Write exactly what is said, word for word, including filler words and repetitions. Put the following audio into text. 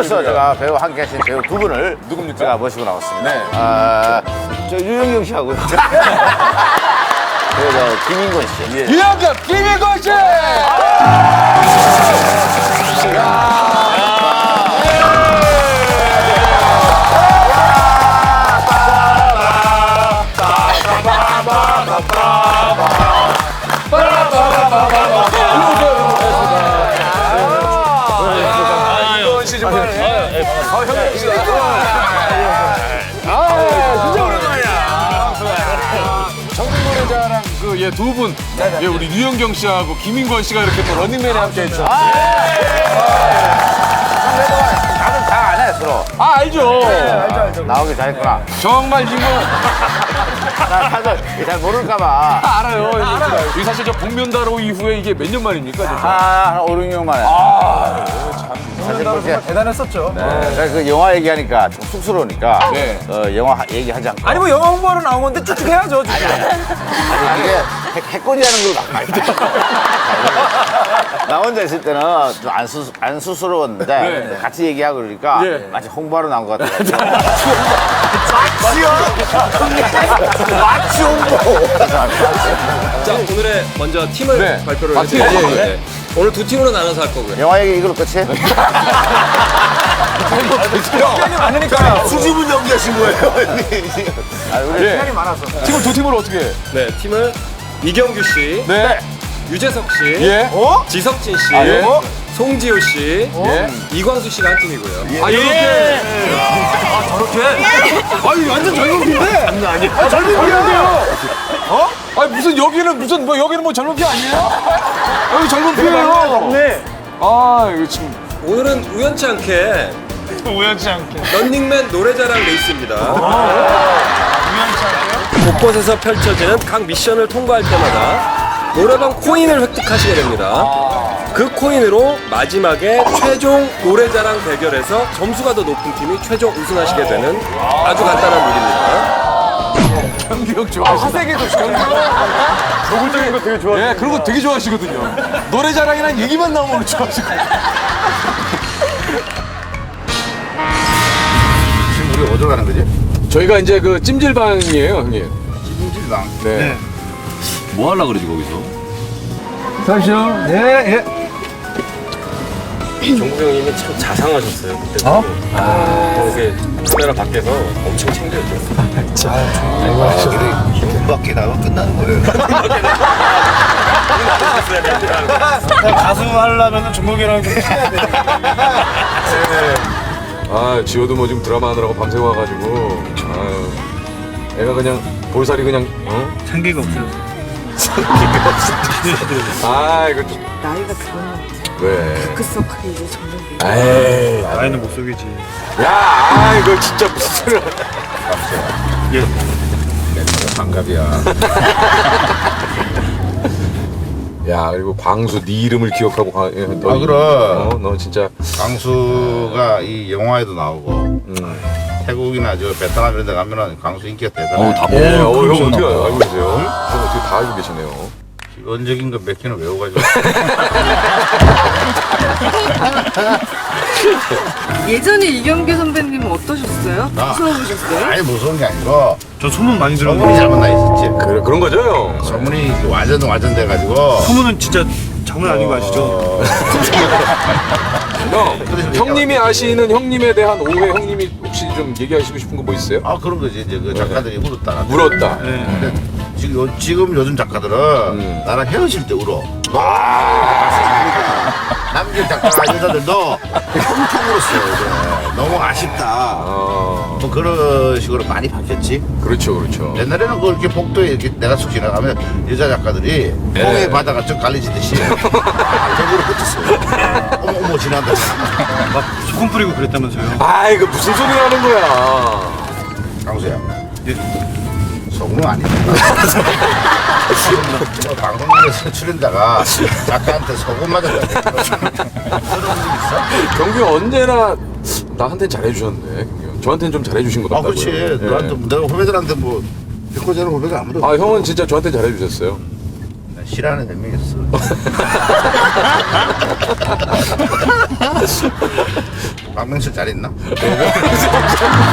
벌써 제가 배우 함께 하신 배우 두 분을 누굽니까? 제가 모시고 나왔습니다. 네. 아, 저 유영경 씨하고요. 그리고 저 김인권 씨. 예. 유영경, 김인권 씨! 예, 두 분, 예, 우리 유영경 씨하고 김인권 씨가 이렇게 또 런닝맨에 함께 했죠. 아, 나는 다 안 해, 서로. 아, 알죠. 알죠, 알죠. 나오기 잘했구나. 정말 지금 나 다들 잘 모를까봐. 다 알아요. 알아요. 이 사실 저 복면다로 이후에 이게 몇 년 만입니까? 진짜? 아, 한 오, 육 년 만에. 아, 참. 사실 그렇게 대단했었죠. 네. 그 영화 얘기하니까 좀 쑥스러우니까 네. 어, 영화 하- 얘기하지 않고. 아니 뭐 영화 홍보하러 나온 건데 쭉쭉 해야죠. 진짜. 아니, 이게 해- 해코지하는 걸 막 많이 나 혼자 있을 때는 좀 안 수, 안 수스러웠는데 네. 같이 얘기하고 그러니까 예. 마치 홍보하러 나온 것 같아요. 마치 홍보. 자, 오늘의 먼저 팀을 네. 발표를 아, 팀, 해드릴게요. 예, 예. 네. 오늘 두 팀으로 나눠서 할 거고요. 영화 얘기 이걸로 끝이에요? 시간이 많으니까. 수집은 연기하신 거예요? 아, 우리 예. 시간이 많아서. 팀을 두 팀으로 어떻게 해? 네, 팀을 이경규 씨, 네. 유재석 씨, 예. 어? 지석진 씨, 아, 예. 송지효 씨, 예. 이광수 씨가 한 팀이고요. 아, 이렇게. 아, 저렇게? 아니 완전 젊은 피인데. 장난 아니야. 아, 젊은 피인데요? 어? 아니, 무슨 여기는 무슨 뭐 여기는 뭐 젊은 피 아니에요? 여기 젊은 피예요. 네. 아, 이거 지금. 오늘은 우연치 않게 우연치 않게. 런닝맨 노래자랑 레이스입니다. 우연치 않게요? 곳곳에서 펼쳐지는 각 미션을 통과할 때마다 노래방 코인을 획득하시게 됩니다. 그 코인으로 마지막에 최종 노래자랑 대결에서 점수가 더 높은 팀이 최종 우승하시게 되는 아주 간단한 룰입니다. 경기력 좋아하시고. 화색에도 노골적인 거 되게 좋아하시고. 예, 그런 거 되게 좋아하시거든요. 노래 자랑이란 얘기만 나오면 좋아하시고. 지금 우리 어디로 가는 거지? 저희가 이제 그 찜질방이에요, 형님. 찜질방. 네. 뭐 하려고 그러지 거기서? 잠시요. 예, 예. 정국 형님이 참 자상하셨어요. 그때. 어? 아. 이게 카메라 밖에서 엄청 챙겨줬어요. 밖에 나가면 끝나는 거예요. 가수 하려면 종국이랑 좀 친해야 돼. 아, 지호도 뭐 지금 드라마 하느라고 밤새 와가지고. 아유. 애가 그냥 볼살이 그냥, 어? 상기가 없어요. 아, 이거 좀. 나이가 그거는 왜? 다크서클이 이제 점점 에이. 나이는 못 속이지. 야, 아, 이거 진짜 무슨 소리야. 반갑이야. 야, 그리고 광수 네 이름을 기억하고 가, 예, 너, 아, 그럼. 어, 너 진짜. 광수가 이 영화에도 나오고 음. 태국이나 저 베트남 이런 데 가면은 광수 인기가 대단해. 어우 다 예, 보고 어, 형 어떻게 알고 계세요? 형 어떻게 다 알고 계시네요. 기본적인 거 몇 개는 외워가지고. 예전에 이경규 선배님은 어떠셨어요? 아. 무서우셨어요? 아니 무서운 게 아니고 저 소문 많이 소문이 잘못 나 있었지. 그래, 그런 거죠, 형? 소문이 완전 완전 돼가지고. 소문은 진짜 장난 아닌 거 아시죠? 어, 형, 형님이 아시는 형님에 대한 오해, 형님이 혹시 좀 얘기하시고 싶은 거 뭐 있어요? 아 그런 거지 이제 그 작가들이 울었다. 울었다. 근데 지금, 요, 지금 요즘 작가들은 음. 나랑 헤어질 때 울어. 남길 작가 여자들도 엄청 울었어요. 요즘에. 너무 아쉽다. 어, 뭐 그런 식으로 많이 바뀌었지. 그렇죠, 그렇죠. 옛날에는 그 이렇게 복도에 이렇게 내가 쑥 지나가면 여자 작가들이 홍해 바다가 쭉 갈리지듯이 저기로 붙었어요. 어머 어머 지나간다. 막 소금 뿌리고 그랬다면서요? 아, 이거 무슨 소리 하는 거야? 강수야. 예. 소금은 아니다. 뭐 방송국에서 출연자가 작가한테 소금 맞았다. 들어본 적 있어? 경규 언제나 나한테 잘해주셨네, 경규. 저한테는 좀 잘해주신 것 아 같다고요. 그렇지. 예. 너한테 내가 후배들한테 뭐 백호자는 후배가 아무도 아, 없고. 형은 진짜 저한테 잘해주셨어요. 난 싫어하는 몇 명 있어. 박명수 잘 있나?